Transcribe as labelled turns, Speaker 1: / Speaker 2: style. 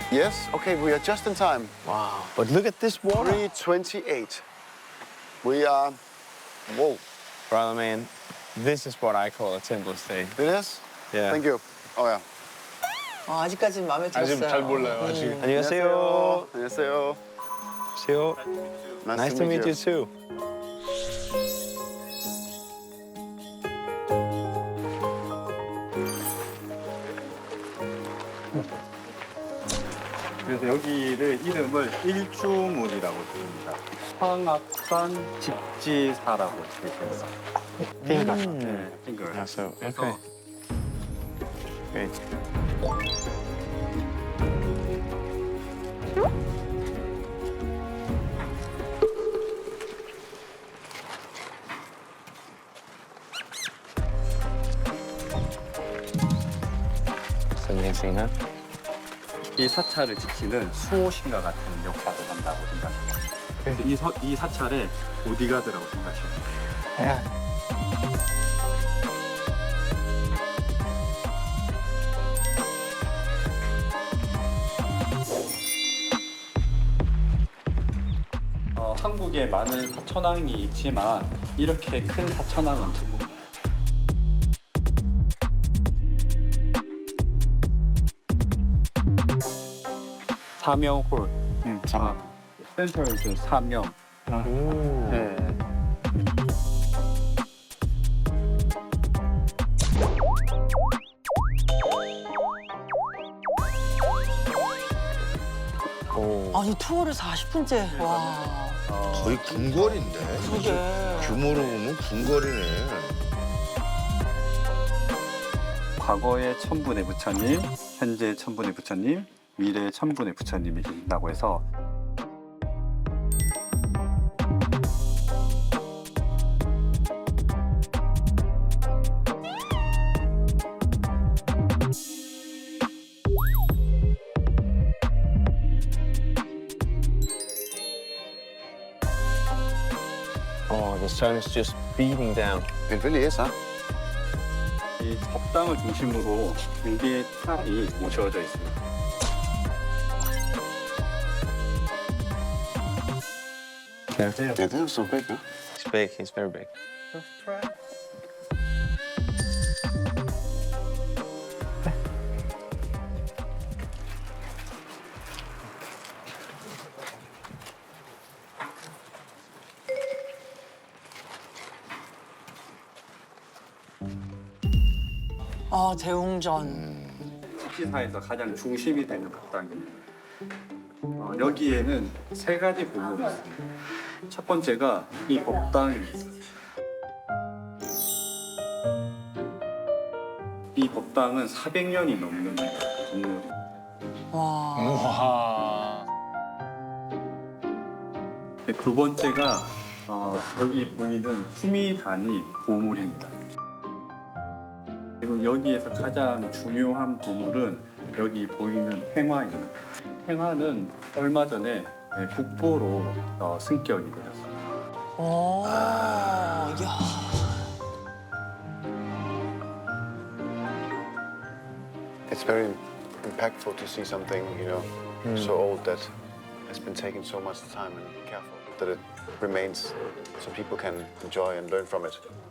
Speaker 1: Yes? Okay, we are just in time.
Speaker 2: Wow. But look at this water.
Speaker 1: 3:28. We are... Whoa.
Speaker 2: Brother man, this is what I call a temple stay.
Speaker 1: It is?
Speaker 2: Yeah.
Speaker 1: Thank you. Oh, yeah.
Speaker 3: 아직까지는 마음에 들었어요.
Speaker 4: 아직 잘 몰라요. 아직.
Speaker 2: 안녕하세요.
Speaker 1: 안녕하세요.
Speaker 2: 안녕하세요. Nice to meet you too.
Speaker 4: 그래서 여기를 이름을 일주문이라고 부릅니다. 황합산 집지사라고 되어 있습니다. 핑거. 네, 핑거.
Speaker 2: Yeah, so, okay. Great. So next thing, huh?
Speaker 4: 이 사찰을 지키는 수호신과 같은 역할을 한다고 생각합니다. 그래서 이 사찰의 보디가드라고 생각하시면 돼요.
Speaker 2: Yeah.
Speaker 4: 한국에 많은 사천왕이 있지만 이렇게 큰 사천왕은 드문. 사명홀. 센터에서 사명.
Speaker 2: Ooh.
Speaker 4: 네.
Speaker 2: Oh.
Speaker 3: 아니 투어를 40분째. 와.
Speaker 5: 거의 궁궐인데.
Speaker 3: 그러게.
Speaker 5: 규모로 보면 궁궐이네.
Speaker 4: 과거의 천분의 부처님, 현재 천분의 부처님, 미래의 천분의 부처님이 계신다고 해서
Speaker 2: Oh, the sun is just beating down.
Speaker 1: It really is, huh?
Speaker 4: 이 법당을 중심으로 4개의 탑이 모셔져 있습니다.
Speaker 2: Yeah.
Speaker 1: Yeah, that was so big, huh?
Speaker 2: He's big. He's very big.
Speaker 3: 아 대웅전.
Speaker 4: 집지사에서 가장 중심이 되는 법당입니다. 여기에는 3가지 부분이 있습니다. 첫 번째가 이 법당입니다. 이 법당은 400년이 넘는 건물입니다.
Speaker 3: 와.
Speaker 2: Wow.
Speaker 4: 두 번째가 여기 보이는 후미단이 보물입니다. 그리고 여기에서 가장 중요한 보물은 여기 보이는 횡화입니다. 횡화는 얼마 전에 국보로 승격이 되었습니다.
Speaker 3: 오. 야.
Speaker 1: It's very impactful to see something, so old that has been taken so much time and careful that it remains so people can enjoy and learn from it.